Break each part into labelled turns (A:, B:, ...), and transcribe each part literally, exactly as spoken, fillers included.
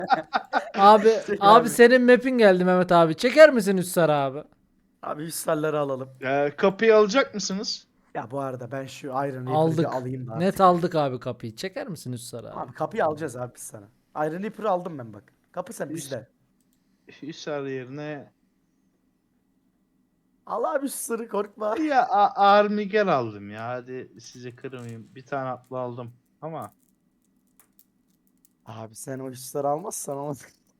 A: Abi
B: Çek
A: abi
B: abi.
A: senin map'in geldi Mehmet abi. Çeker misin Üssar abi?
B: Abi üstelleri alalım.
C: Ee, kapıyı alacak mısınız?
B: Ya bu arada ben şu Iron Reaper'ı bir
A: Aldık.
B: alayım da
A: Net
B: artık.
A: aldık abi kapıyı. Çeker misin Üssar abi?
B: Abi kapıyı alacağız abi biz sana. Iron Reaper'ı aldım ben bak. Kapı sen
C: Hüs
B: bizde.
C: Hüsar yerine
B: Al abi şu sırrı korkma.
C: ya A- Armiger aldım ya. Hadi size kırmayayım. Bir tane atlı aldım. Ama
B: Abi sen o üstleri almazsan ama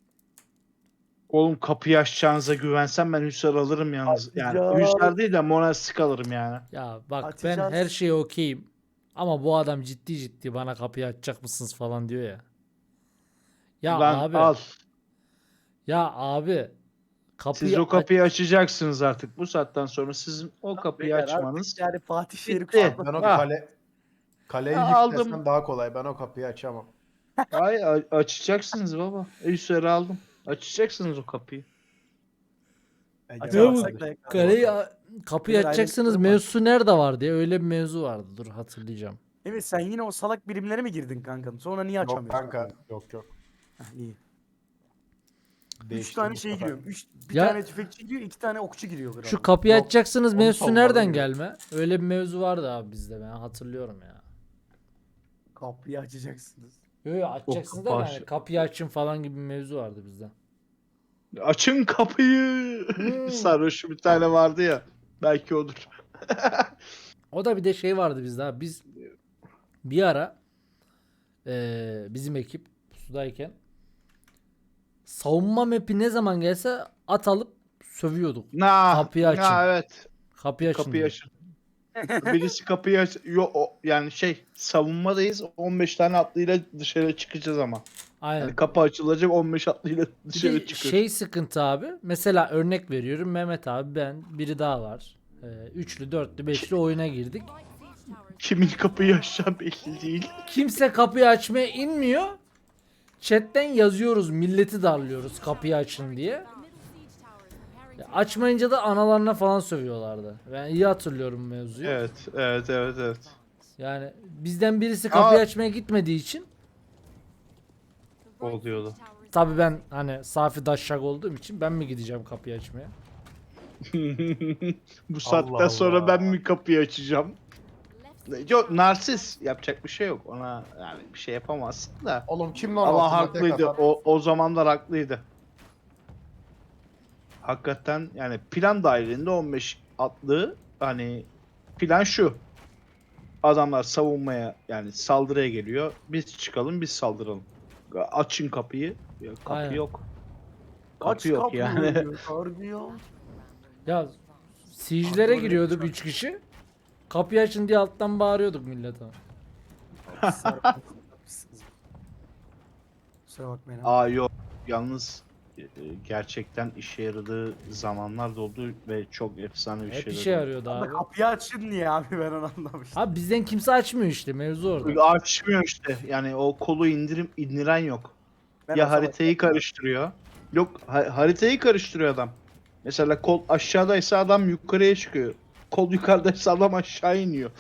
C: oğlum kapıyı açacağınıza güvensem ben Hüsar alırım yalnız. Yani
B: Açacağız.
C: Hüsar değil de Monastik alırım yani.
A: Ya bak ben
B: Açacağız.
A: her şeye okeyim. Ama bu adam ciddi ciddi bana kapıyı açacak mısınız falan diyor ya. Ya
C: Lan
A: abi.
C: al.
A: Ya abi. Kapıyı
C: Siz o
A: aç.
C: kapıyı açacaksınız artık. Bu saatten sonra sizin o kapıyı
B: Beyler
C: açmanız
B: artık yani Fatih Şehir'i
C: bitti.
B: kuşatmak.
D: Ben o
C: Ah.
D: kale kaleyi
C: Ya
D: yık
C: aldım.
D: desem daha kolay. Ben o kapıyı açamam.
C: Ay a- açacaksınız baba. Hüsar'ı aldım. Açacaksınız o kapıyı.
D: Ege
B: Açamazsak
D: abi.
B: da yakar.
A: Kaleyi kapıyı
B: Beyler,
A: açacaksınız.
B: aynen.
A: Mevzusu nerede vardı ya? Öyle bir mevzu vardı. Dur hatırlayacağım.
B: Evet sen yine o salak birimlere mi girdin kankam? Sonra niye
D: Yok
B: açamıyorsun?
D: kanka. Yok yok.
B: Heh, iyi. Üç
D: Değiştim
B: tane
D: bu
B: şey
D: sefer.
B: giriyor. Üç, bir
A: Ya-
B: tane tüfekçi giriyor, iki tane okçu giriyor. Kral.
A: Şu kapıyı
D: Yok,
A: açacaksınız.
D: onu
A: Mevzusu
D: sonradan
A: nereden
D: giriyor.
A: gelme? Öyle bir mevzu vardı abi bizde. Ben hatırlıyorum ya.
B: Kapıyı açacaksınız.
A: Yo, yo, açacaksınız da
C: baş-
A: yani kapıyı açın falan gibi bir mevzu vardı bizde.
C: Açın kapıyı.
A: Hmm.
C: Sarhoş bir tane vardı ya. Belki odur.
A: O da bir de şey vardı bizde abi. Biz bir ara eee, bizim ekip sudayken savunma map'i ne zaman gelse at alıp sövüyorduk.
C: Na,
A: Kapıyı açın.
C: na, evet.
A: Kapıyı açın
C: Kapıyı
A: diye.
C: açın. Birisi kapıyı aç. Yo, o, yani şey savunmadayız. on beş tane atlıyla dışarı çıkacağız ama.
A: Aynen.
C: Yani kapı açılacak on beş atlıyla
A: Bir
C: dışarı
A: de
C: çıkıyoruz.
A: şey sıkıntı abi. Mesela örnek veriyorum. Mehmet abi ben biri daha var. Ee, üçlü, dörtlü, beşli oyuna girdik.
C: Kimin kapıyı açacağı belli değil.
A: Kimse kapıyı açmaya inmiyor. Chatten yazıyoruz. Milleti darlıyoruz kapıyı açın diye. Ya açmayınca da analarına falan sövüyorlardı. Ben iyi hatırlıyorum mevzuyu.
C: Evet, evet, evet, evet.
A: Yani bizden birisi kapıyı
C: Aa.
A: açmaya gitmediği için
C: Oluyordu.
A: tabii ben hani safi daşşak olduğum için ben mi gideceğim kapıyı açmaya?
C: Bu saatten
D: Allah
C: sonra
D: Allah.
C: ben mi kapıyı açacağım? Yok, narsis yapacak bir şey yok. Ona yani bir şey yapamazsın da.
D: Oğlum kim lan
C: Ama
D: altında tek
C: haklıydı.
D: atan?
C: O, o zamanlar haklıydı. Hakikaten yani plan dahilinde on beş atlı hani plan şu. Adamlar savunmaya yani saldırıya geliyor. Biz çıkalım biz saldıralım. Açın kapıyı. Ya, kapı
A: Aynen.
C: yok.
B: Kaç
C: Kapı yok
B: kapı
C: yani.
B: yani. Kargıyor.
A: Ya siege'lere
B: Abi,
A: giriyorduk
B: öyle
A: üç kişi. Kapıyı açın diye alttan bağırıyorduk millete.
B: Kusura bakmayın abi.
C: Aa yok. Yalnız e, e, gerçekten işe yaradığı zamanlar da oldu ve çok efsane bir
A: Hep
C: şeyler
A: işe
C: oldu.
A: yarıyordu
B: Ama
A: abi.
B: kapıyı açın niye abi ben onu anlamıştım.
A: Abi bizden kimse açmıyor işte mevzu orada.
C: Açmıyor işte. Yani o kolu indirim indiren yok.
B: Ben
C: Ya
B: o zaman-
C: haritayı karıştırıyor. Yok ha- haritayı karıştırıyor adam. Mesela kol aşağıdaysa adam yukarıya çıkıyor. Kol yukarıdaysa adam aşağı iniyor.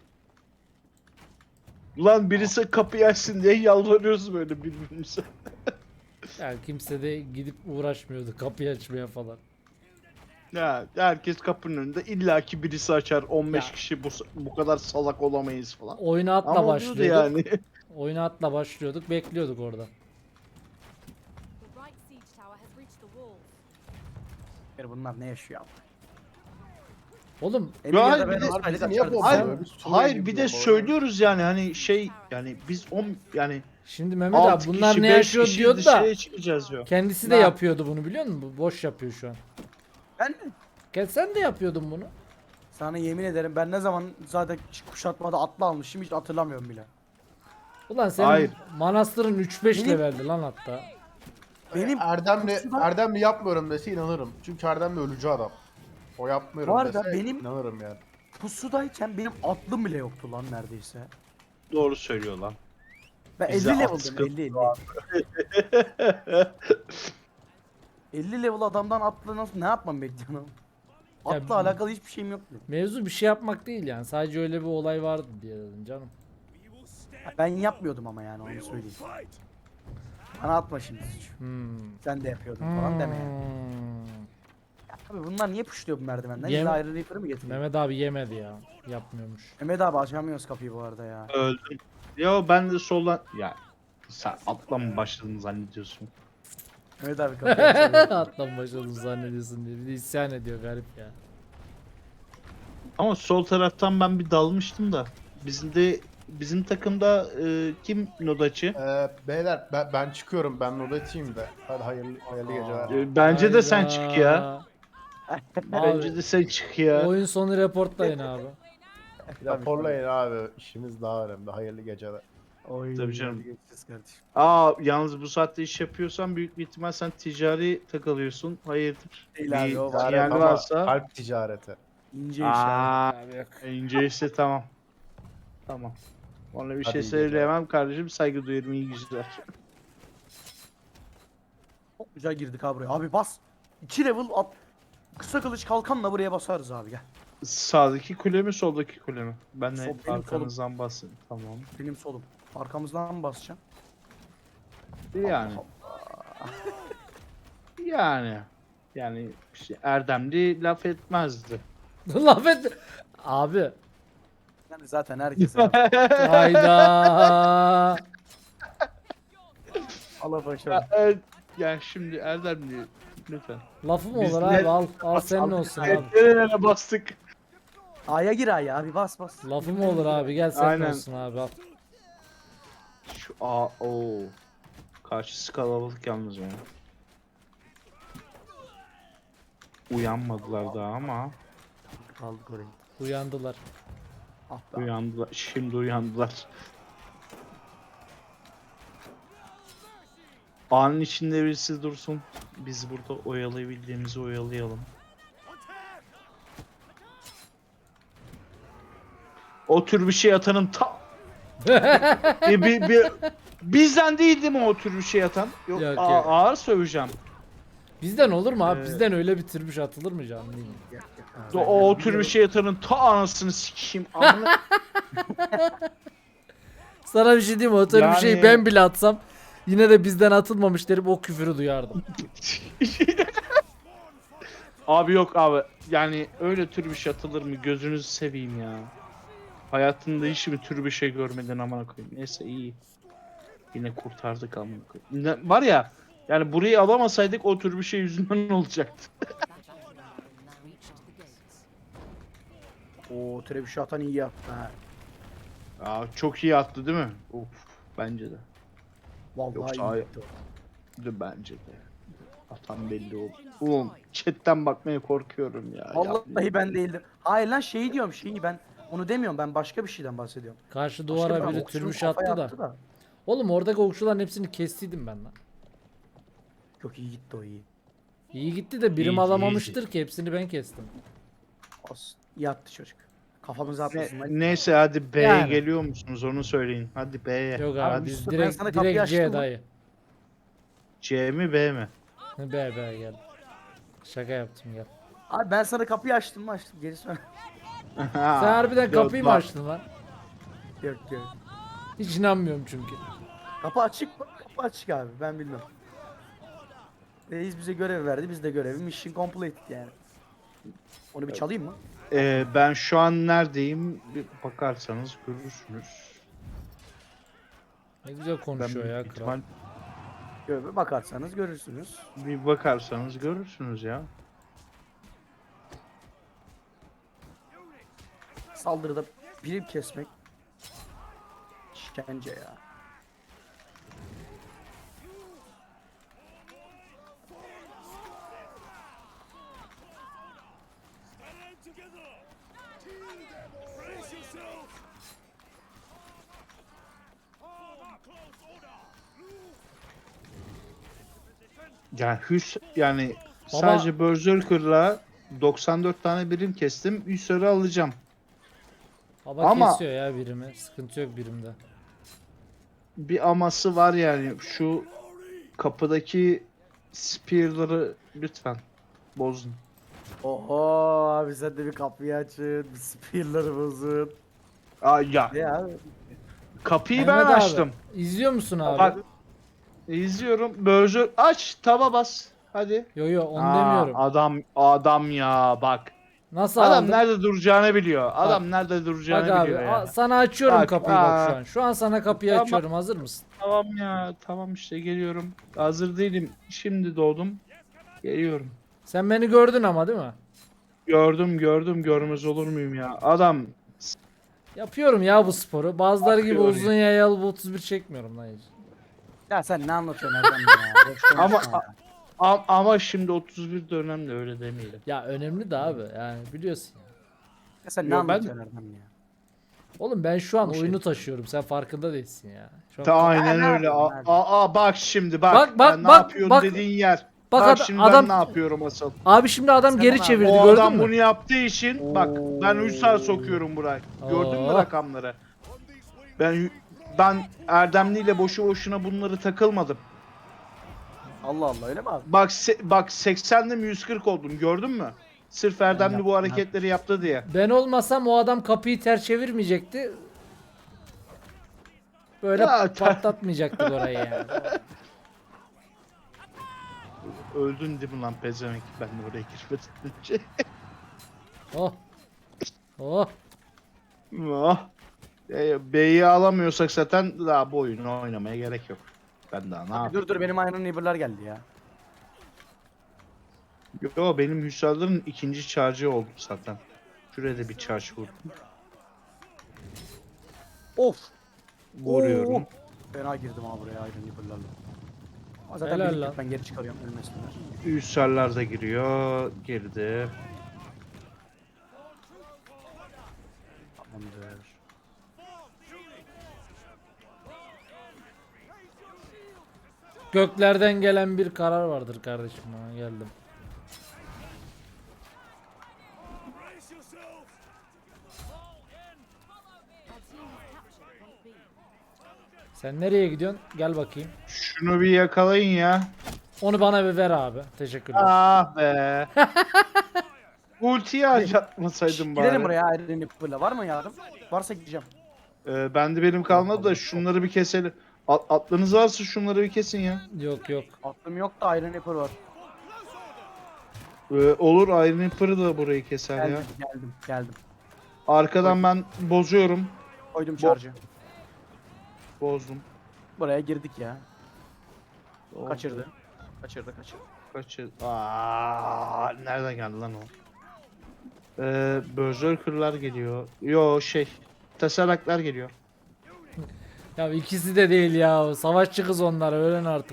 C: Ulan birisi kapıyı açsın diye yalvarıyoruz böyle birbirimize.
A: Yani kimse de gidip uğraşmıyordu kapıyı açmaya falan.
C: Ya herkes kapının önünde illaki birisi açar. on beş
A: Ya.
C: kişi bu, bu kadar salak olamayız falan.
A: Oyuna atla
C: Ama oluyordu
A: başlıyorduk.
C: yani.
A: Oyuna atla başlıyorduk, bekliyorduk orada.
B: Bunlar ne yaşıyor abi?
A: Oğlum
C: Ya
B: Emilya'da
C: hayır,
B: ben
C: bir de-
B: o
D: Bunlar
B: alet
D: bizi niye
B: açardım.
D: bozuyor?
C: Hayır,
D: Biz Suriye
C: hayır
D: gibi
C: bir de
D: bu arada.
C: söylüyoruz yani hani şey yani biz on yani
A: şimdi Mehmet
C: altı
A: abi bunlar
C: kişi
A: ne
C: beş
A: yaşıyor
C: kişi
A: diyordu da
C: dışarıya çıkacağız diyor.
A: kendisi de
C: Ne?
A: yapıyordu bunu biliyor musun? Bu boş yapıyor şu an.
B: Ben mi?
A: Gel sen de yapıyordun bunu.
B: Sana yemin ederim ben ne zaman zaten kuşatmada atlı almışım hiç hatırlamıyorum bile.
A: Ulan senin
C: Hayır.
A: manastırın üç beş
B: Benim-
A: leveldi lan hatta.
B: Benim
D: Erdemli,
B: Pusuda-
D: Erdemli yapmıyorum dese inanırım. Çünkü Erdemli ölücü adam. O yapmıyorum
B: Bu arada
D: dese
B: benim-
D: inanırım yani.
B: pusudayken benim atlım bile yoktu lan neredeyse.
C: Doğru söylüyor lan.
B: Ben
C: Bize
B: elli
C: at
B: level'dım
C: sıkıntı
B: elli elli. elli level adamdan atla nasıl ne yapmam bekliyorum?
A: Ya
B: Atla
A: bi-
B: alakalı hiçbir şeyim yoktu.
A: Mevzu bir şey yapmak değil yani. Sadece öyle bir olay vardı diye dedim canım.
B: Ben yapmıyordum ama yani onu söyleyeyim. Bana atma şimdi suç.
A: Hmm.
B: Sen de yapıyordun falan deme ya.
A: Hmm.
B: Abi bunlar niye puşluyor bu merdivenden?
A: Yem-
B: İlla Iron Reaper'ı mı getiriyor?
A: Mehmet abi yemedi ya. Yapmıyormuş.
B: Mehmet abi açamıyoruz kapıyı bu arada ya.
C: Öldüm. Yo ben de soldan... Ya sen atla mı başladın zannediyorsun?
B: Mehmet abi kapıyı açamıyor.
A: Atlan başladım zannediyorsun diye. Bir de isyan ediyor garip ya.
C: Ama sol taraftan ben bir dalmıştım da. Bizim de bizim takımda e, kim nodacı?
D: Ee, beyler ben, ben çıkıyorum. Ben nodacıyım da. Hadi hayırlı, hayırlı geceler.
C: E, bence de sen
A: Hayda.
C: çık ya. Bence
A: Abi,
C: de sen çık ya.
A: oyun sonu reportlayın abi.
D: Raporlayın abi. İşimiz daha önemli. Hayırlı geceler.
B: Oy,
C: Tabii canım.
B: hadi geçeceğiz kardeşim.
C: Aa yalnız bu saatte iş yapıyorsan büyük bir ihtimal sen ticari takılıyorsun. Hayırdır?
B: Değil abi,
C: Bir
B: o var.
C: sinyal
D: ama
C: varsa.
D: kalp ticareti.
B: İnce iş abi.
C: Aa, ince ise tamam. Tamam. Ona bir
D: Hadi
C: şey
D: iyi geceler.
C: söyleyemem kardeşim. Saygı duyarım. İyi geceler.
B: Çok güzel girdik abi buraya. Abi bas. iki level at. Kısa kılıç kalkanla buraya basarız abi gel.
C: Sağdaki kule mi soldaki kule mi? Ben
B: Sol-
C: de
B: benim
C: arkanızdan basın. Tamam.
B: Benim solum. Arkamızdan mı basacağım?
C: Yani. Yani. Yani işte Erdemli laf etmezdi.
A: Laf et. Abi.
B: Yani zaten herkes abi.
A: Hayda.
B: Allah başa.
C: Ya, evet, yani şimdi Erdemli lütfen.
A: Lafı mı
C: Biz
A: olur
C: ne-
A: abi? Al, al senin olsun abi.
C: Nerelere bastık?
B: A'ya gir A'ya abi bas bas.
A: Lafı mı olur abi? Gel senin
C: Aynen.
A: olsun abi al.
C: Şu a o. Karşısı kalabalık yalnız ya. Uyanmadılar daha ama
B: Kaldık oraya.
A: Uyandılar.
B: Ah be.
C: uyandılar. Şimdi uyandılar. Anın içinde birisi dursun. Biz burada oyalayabildiğimizi oyalayalım. O tür bir şey atanın ta... bir, bir, bir, bizden değil değil mi o tür bir şey atan? Yok,
A: Yok,
C: a-
A: yok.
C: ağır söveceğim.
A: Bizden olur mu abi?
C: Ee,
A: Bizden öyle bir türbüş atılır mı canım değil mi?
B: Gel, gel.
C: O, o tür bir şey atanın ta anasını sikeyim. Amına...
A: Sana bir şey diyeyim mi? O tür bir şeyi
C: Yani-
A: ben bile atsam yine de bizden atılmamış derim o küfürü duyardım.
C: Abi yok abi. Yani öyle tür bir şey atılır mı? Gözünüzü seveyim ya. Hayatında hiç mi tür bir şey görmedin amına koyayım. Neyse iyi. Yine kurtardık amına koyayım. Ne- Var ya yani burayı alamasaydık o tür bir şey yüzünden olacaktı.
B: Oo trebüşü şey atan iyi yaptı ha.
C: Aa, çok iyi attı değil mi? Of bence de.
B: Vallahi
C: Yoksa
B: iyi
C: ay-
B: yaptı.
C: De bence de. Atan belli oldu. Oğlum chatten bakmaya korkuyorum ya.
B: Vallahi ben değildim. Hayır lan şeyi diyorum şeyi ben onu demiyorum ben başka bir şeyden bahsediyorum.
A: Karşı
B: Başka
A: duvara
B: bir-
A: biri
B: okçunun
A: türbüş
B: kafaya
A: attı da. Oğlum oradaki okçuların hepsini kestiydim ben lan.
B: Çok iyi gitti o iyi.
A: İyi gitti de birim
C: İyi,
A: alamamıştır ki hepsini ben kestim.
B: Olsun. İyi attı çocuk. Kafamıza
C: Ne-
B: atmasın lan.
C: neyse hadi B'ye
A: Yani.
C: geliyor musunuz onu söyleyin. Hadi B'ye.
A: Yok abi
C: Hadi.
A: biz
B: Yusuf, ben
A: direkt
B: sana kapıyı
A: direkt C
B: açtım mı?
A: dayı.
C: C mi B mi?
A: B B gel. Şaka yaptım gel.
B: Abi ben sana kapıyı açtım mı açtım geri sonra.
A: Sen harbiden
C: Yok,
A: kapıyı mı
C: bak.
A: açtın lan?
B: Yok yok.
A: Hiç inanmıyorum çünkü.
B: Kapı açık mı? Kapı açık abi ben bilmem. Reis bize görev verdi biz de görevi mission complete yani. Onu bir çalayım mı?
C: Ee, ben şu an neredeyim? Bir bakarsanız görürsünüz.
A: Ne güzel
C: Ben
A: konuşuyor ya
C: büyük
A: kral.
C: ihtimal-
B: Görevi bakarsanız görürsünüz.
C: bir bakarsanız görürsünüz ya.
B: Saldırıda birim kesmek. İşkence ya.
C: Yani hüs yani
A: Baba-
C: sadece Berserker'la doksan dört tane birim kestim. Hüsar'ı alacağım.
A: Baba
C: Ama-
A: kesiyor ya birimi. Sıkıntı yok birimde.
C: Bir aması var yani şu kapıdaki spear'ları lütfen bozun.
B: Oho abi sen de bir kapıyı açın. Bir spear'ları bozun.
C: Aa ya
B: Ne abi?
C: kapıyı
A: Mehmet
C: ben
A: abi,
C: açtım.
A: İzliyor musun abi?
C: Bak İzliyorum. Berger aç, taba bas. Hadi.
A: Yo yo onu
C: Aa,
A: demiyorum.
C: Adam adam ya bak.
A: Nasıl
C: Adam
A: aldım?
C: nerede duracağını biliyor. Adam nerede duracağını
A: Bak abi
C: biliyor
A: a-
C: ya.
A: sana açıyorum
C: Bak,
A: kapıyı bak
C: aa.
A: şu an. Şu an sana kapıyı
C: Tamam.
A: açıyorum. Hazır mısın?
C: Tamam ya. Tamam işte geliyorum. Hazır değilim. Şimdi doğdum. Geliyorum.
A: Sen beni gördün ama değil mi?
C: Gördüm gördüm görmez olur muyum ya. Adam
A: Yapıyorum ya bu sporu. Bazıları gibi
C: Yapıyor
A: uzun yayalı bu otuz bir çekmiyorum lan hiç.
B: Ya sen ne anlatıyorsun Erdem ya? Boş konuşma
C: Ama-
B: ya.
C: a- ama şimdi otuz bir dönemde öyle demeyelim.
A: Ya önemli de abi yani biliyorsun ya.
B: Ya sen ne
C: Yo, ben-
B: anlatıyorsun Erdem ya?
A: Oğlum ben şu an
C: Bu şey-
A: oyunu taşıyorum. Sen farkında değilsin ya. Şu an-
C: Ta aynen
B: ne
C: öyle.
B: yapıyorsun
C: Aa,
B: abi?
C: aa, bak şimdi bak.
A: Bak, bak,
C: Ben
A: bak,
C: ne yapıyorsun
A: bak.
C: dediğin yer.
A: Bak
C: Bak,
A: ad-
C: şimdi
A: adam-
C: ben ne yapıyorum asıl.
A: Abi şimdi adam
B: Sen
A: geri
B: bana-
A: çevirdi
C: O
A: gördün
C: adam
A: mü?
C: bunu yaptığı için bak ben Hüsar sokuyorum buraya. Gördün mü
A: Oo.
C: rakamları? Ben ben Erdemli ile boşu boşuna bunları takılmadım.
B: Allah Allah öyle mi abi?
C: Bak se- bak seksende mi yüz kırk oldum gördün mü? Sırf Erdemli bu
B: yaptım,
C: hareketleri yaptı diye.
A: Ben olmasam o adam kapıyı ters çevirmeyecekti. Böyle
C: Ya, ter-
A: patlatmayacaktık orayı yani.
C: Öldün değil mi lan pezevenk? Ben de oraya girmedim.
A: Oh. Oh.
C: Ah. E, B'yi alamıyorsak zaten daha bu oyunu oynamaya gerek yok. Ben daha ne
B: Abi
C: yapayım?
B: dur dur benim Iron Neighbor'lar geldi ya.
C: Yo benim Hüsar'ların ikinci charge'ı oldu zaten. Şuraya da bir charge vurdum.
B: Of.
C: Vuruyorum.
B: Oo. Fena girdim abi buraya Iron Neighbor'larla. Ama zaten
A: Helal
B: birlikte
A: lan.
B: ben geri çıkarıyorum ölmesinler.
C: Hüsarlar da giriyor. Girdi.
B: Tamamdır.
A: Göklerden gelen bir karar vardır kardeşim. Ha, geldim. Sen nereye gidiyorsun? Gel bakayım.
C: Şunu bir yakalayın ya.
A: Onu bana bir ver abi. Teşekkürler.
C: Ah be. Ultiyi harcatmasaydım bari.
B: Gidelim buraya Iron Neighbor'la var mı yardım? Varsa gideceğim.
C: Ee, bende benim kalmadı da şunları bir keselim. At, atlınız varsa şunları bir kesin ya.
A: Yok yok.
B: Aklım yok da Iron Neighbor var.
C: Ee, olur Iron Reaper'ı da burayı keser ya.
B: Geldim geldim geldim.
C: Arkadan ben bozuyorum.
B: Koydum charge'ı.
C: Bozdum.
B: Buraya girdik ya.
C: Oldu.
B: Kaçırdı. Kaçırdı kaçırdı.
C: Kaçır. Aa, nereden geldi lan o? Ee, Berserker'lar geliyor. Yo şey. Tesaraklar geliyor.
A: Ya ikisi de değil ya. Savaşçı kız onlar. Öğren artık.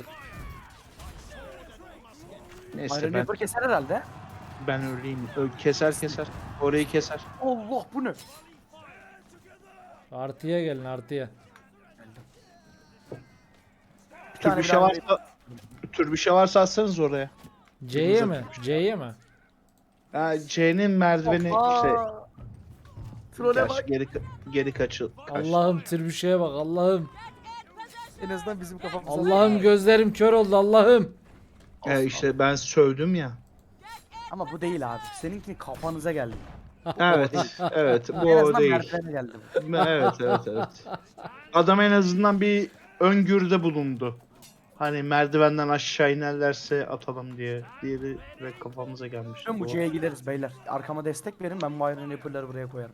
C: Neyse
B: Iron
C: ben,
B: Neighbor keser herhalde.
C: ben öleyim. Ö- keser keser. Orayı keser.
B: Allah bu ne?
A: Artıya gelin artıya.
B: Bir tane
C: Tür bir
B: bir
C: şey
B: Iron
C: varsa tür bir şey varsa atsanız oraya.
A: C'ye mi? C'ye mi?
C: Ha, C'nin merdiveni
B: Hoppa!
C: işte
B: Trole
C: gerçi
B: bak.
C: geri geri kaçıl. kaç.
A: Allah'ım tirbüşeye bak Allah'ım.
B: En azından bizim kafamıza.
A: Allah'ım gözlerim kör oldu Allah'ım.
C: Ee, işte ben sövdüm ya.
B: Ama bu değil abi. Seninki kafanıza geldi.
C: Evet, evet bu
B: en
C: o
B: azından
C: değil.
B: merdivene geldi.
C: Evet, evet, evet. Adam en azından bir öngörüde bulundu. Hani merdivenden aşağı inerlerse atalım diye. Diğeri ve kafamıza gelmiş.
B: Tüm bu C'ye gideriz beyler. Arkama destek verin ben bu Iron Neighbor'ları buraya koyarım.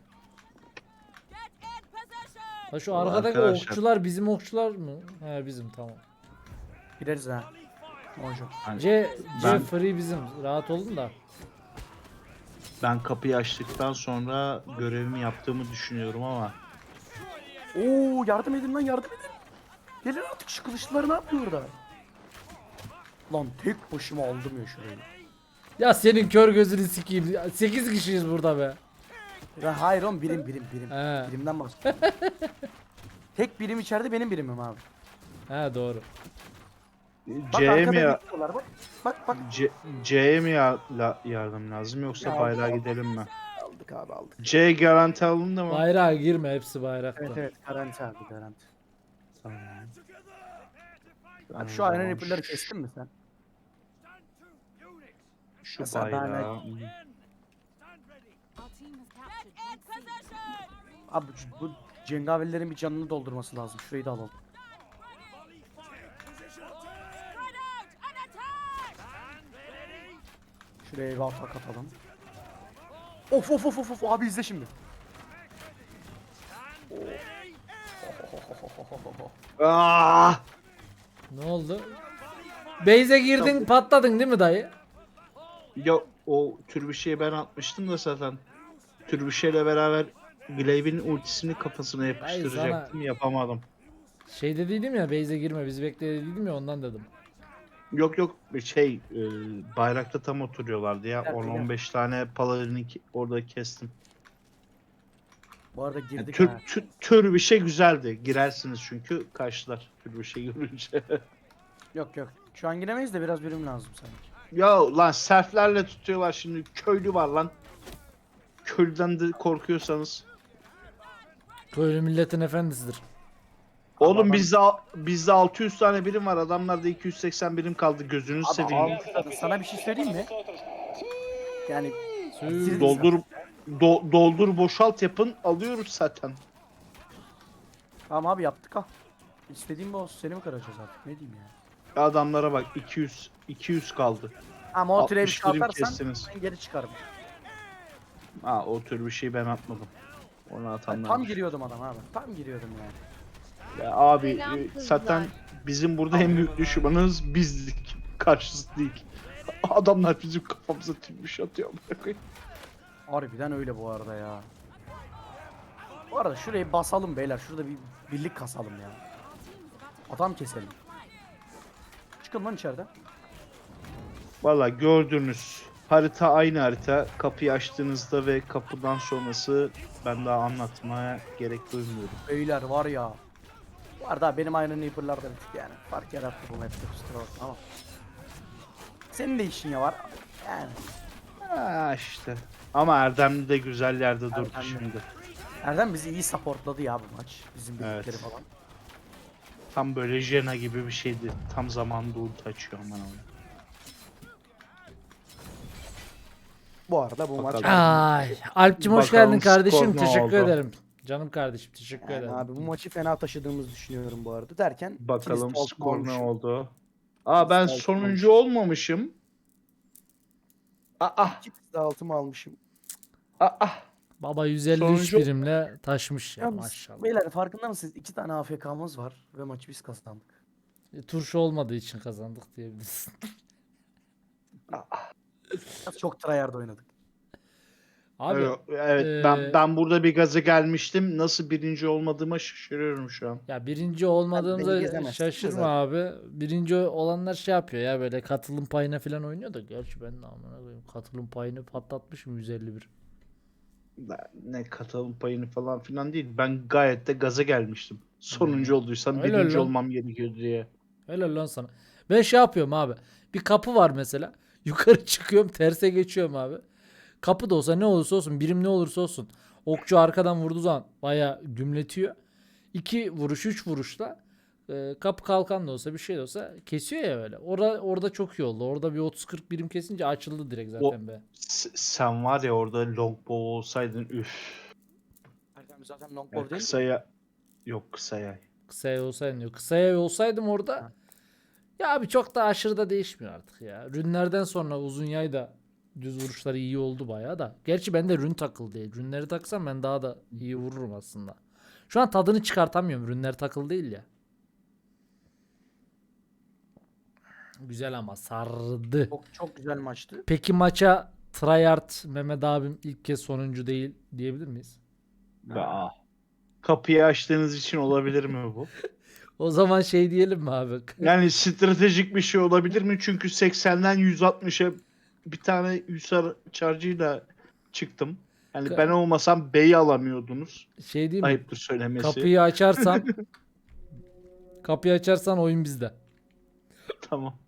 A: Ha şu
C: Vallahi
A: arkadaki
C: arkadaşlar.
A: okçular bizim okçular mı? He bizim tamam.
B: Gideriz ha. Monjo.
C: Hani
A: C, C
C: Ben-
A: free bizim. Rahat olun da.
C: ben kapıyı açtıktan sonra görevimi yaptığımı düşünüyorum ama
B: Oo yardım edin lan yardım edin. Gelin artık şu kılıçlıları ne yapıyor orada? Lan tek başıma aldım ya şurayı.
A: Ya senin kör gözünü sikeyim. sekiz kişiyiz burada be.
B: Ya hayır oğlum birim birim birim.
A: He.
B: Birimden bahsediyorum. Tek birim içeride benim birimim abi.
A: He doğru.
B: Bak
C: C'ye
B: arkada
C: mi ya
B: bekliyorlar bak. Bak bak.
C: C- C'ye mi ya- la- yardım lazım yoksa
B: Ya
C: bayrağa
B: Allah.
C: gidelim mi?
B: Aldık abi aldık.
C: C garanti alındı mı?
A: Bayrağa girme hepsi bayrakta.
B: Evet evet garanti abi garanti. Tamam.
C: Tamam,
B: Abi şu Iron
C: tamam.
B: Reaper'ları kestin mi sen?
C: Şu
B: Mesela ben-
C: bayrağı.
B: Abi bu, bu cengaverlerin bir canını doldurması lazım. Şurayı da alalım. Şuraya bir atak atalım. Of of of of of abi izle şimdi.
C: Ah!
A: Ne oldu? Base'e girdin patladın değil mi dayı?
C: Ya o tür bir şeyi ben atmıştım da zaten. Tür bir şeyle beraber Glaive'in ultisini kafasına yapıştıracaktım. Yapamadım.
A: Şey dediydim ya base'e girme biz bekle dediydim ya ondan dedim.
C: Yok yok şey e, bayrakta tam oturuyorlardı ya.
B: Gel,
C: on
B: gel.
C: on beş tane paladini ki- orada kestim.
B: Bu arada
C: Yani
B: girdik
C: tür,
B: ha.
C: tür, tür bir şey güzeldi. Girersiniz çünkü karşılar tür bir şey görünce.
B: Yok yok. Şu an giremeyiz de biraz birim lazım sanki.
C: Ya lan serflerle tutuyorlar şimdi. Köylü var lan. Köylüden de korkuyorsanız.
A: Köylü milletin efendisidir.
C: Oğlum
B: adam-
C: bizde al- bizde altı yüz tane birim var. Adamlarda iki yüz seksen birim kaldı. Gözünü
B: Abi
C: seveyim.
B: almışlar. Sana bir şey söyleyeyim mi? Yani
A: Sü-
B: Bitiririz
C: Doldur do- doldur boşalt yapın. Alıyoruz zaten.
B: tamam abi yaptık ha. İstediğim bu olsun. Seni mi kıracağız artık? Ne diyeyim ya?
C: Adamlara bak iki yüz iki yüz kaldı.
B: Ama o türe bir
C: altmış
B: şey
C: birim
B: atarsan
C: kestiniz.
B: ben geri çıkarım.
C: Ha o tür bir şey ben atmadım. Onu
B: Ben
C: atanlar.
B: tam giriyordum adam abi. Tam giriyordum yani.
C: Ya abi
E: Selam
C: e,
E: kızlar.
C: zaten bizim burada en büyük düşmanımız bizdik. Karşısı değil. Adamlar bizim kafamıza tümüş atıyor. amına koyayım.
B: Harbiden öyle bu arada ya. Bu arada şurayı basalım beyler. Şurada bir birlik kasalım ya. Adam keselim. Çıkın lan içeriden.
C: Valla gördünüz. Harita aynı harita. Kapıyı açtığınızda ve kapıdan sonrası ben daha anlatmaya gerek duymuyorum.
B: Beyler var ya. Bu arada benim Iron Reaper'lar da bir tık yani. Fark yarattı bu map'te kusura bakma ama. Senin de işin ya var. Yani.
C: Ha işte. Ama Erdemli de güzel yerde durdu
B: Erdemli.
C: şimdi.
B: Erdem bizi iyi supportladı ya bu maç. Bizim
C: Evet.
B: birlikleri falan.
C: Tam böyle Jena gibi bir şeydi. Tam zamanında ulti açıyor aman Allah'ım.
B: Bu arada bu maç.
C: Bakalım.
A: Ay, Alp'cim hoş
C: Bakalım
A: geldin kardeşim.
C: skor ne
A: Teşekkür
C: oldu?
A: ederim. Canım kardeşim teşekkür
B: Yani
A: ederim.
B: abi bu maçı fena taşıdığımızı düşünüyorum bu arada derken.
C: Bakalım
B: ikiniz de
C: skor ne
B: olmuşum.
C: oldu. Aa ben
B: Altın
C: sonuncu olmamışım. Aa
B: İkiniz de altımı almışım.
C: aa.
A: Baba yüz elli üç
C: Sonuncu-
A: birimle taşmış ya
B: Yalnız
A: maşallah.
B: beyler farkında mısınız? İki tane A F K'mız var ve maçı biz kazandık.
A: E, Turşu olmadığı için kazandık diyebilirsin.
B: Biraz çok tryhard oynadık.
A: Abi
C: evet, evet
A: eee,
C: ben ben burada bir gaza gelmiştim. Nasıl birinci olmadığıma şaşırıyorum şu an.
A: ya birinci
B: beni
A: olmadığımıza
B: gezemezsin
A: şaşırma
B: zaten.
A: abi. Birinci olanlar şey yapıyor ya böyle katılım payına falan oynuyor da. Gerçi ben de amına koyayım katılım payını patlatmışım yüz elli bir.
C: Ben ne katılım payını falan filan değil. Ben gayet de gaza gelmiştim. Sonuncu olduysam
A: Öyle
C: birinci
A: lan.
C: olmam gerekiyor diye.
A: Helal lan sana. Ben şey yapıyorum abi. Bir kapı var mesela. Yukarı çıkıyorum terse geçiyorum abi. Kapı da olsa ne olursa olsun birim ne olursa olsun. Okçu arkadan vurduğu zaman baya gümletiyor. İki vuruş üç vuruşla e, kapı kalkan da olsa bir şey de olsa kesiyor ya böyle. Orada, orada çok iyi oldu. Orada bir otuz kırk birim kesince açıldı direkt zaten be.
C: S- sen var ya orada longbow olsaydın üf.
B: Erdem zaten
C: Ya
B: longbow değil mi?
C: kısaya yok kısaya.
A: Kısaya olsaydım diyor. Kısaya olsaydım orada ya abi çok da aşırı da değişmiyor artık ya. Rünlerden sonra uzun yay da düz vuruşları iyi oldu bayağı da. Gerçi bende rün takıl değil. Rünleri taksam ben daha da iyi vururum aslında. Şu an tadını çıkartamıyorum. Rünler takıl değil ya. Güzel ama sardı.
B: Çok, çok güzel maçtı.
A: Peki maça tryhard Mehmet abim ilk kez sonuncu değil diyebilir miyiz?
C: Aa. Kapıyı açtığınız için olabilir mi bu?
A: O zaman şey diyelim mi abi?
C: Yani stratejik bir şey olabilir mi? Çünkü seksenden yüz altmışa bir tane Hüsar charge'ıyla çıktım. Yani
A: Ka-
C: ben olmasam B'yi alamıyordunuz.
A: Şey diyeyim mi?
C: Ayıptır söylemesi.
A: Kapıyı açarsan kapıyı açarsan oyun bizde.
C: Tamam.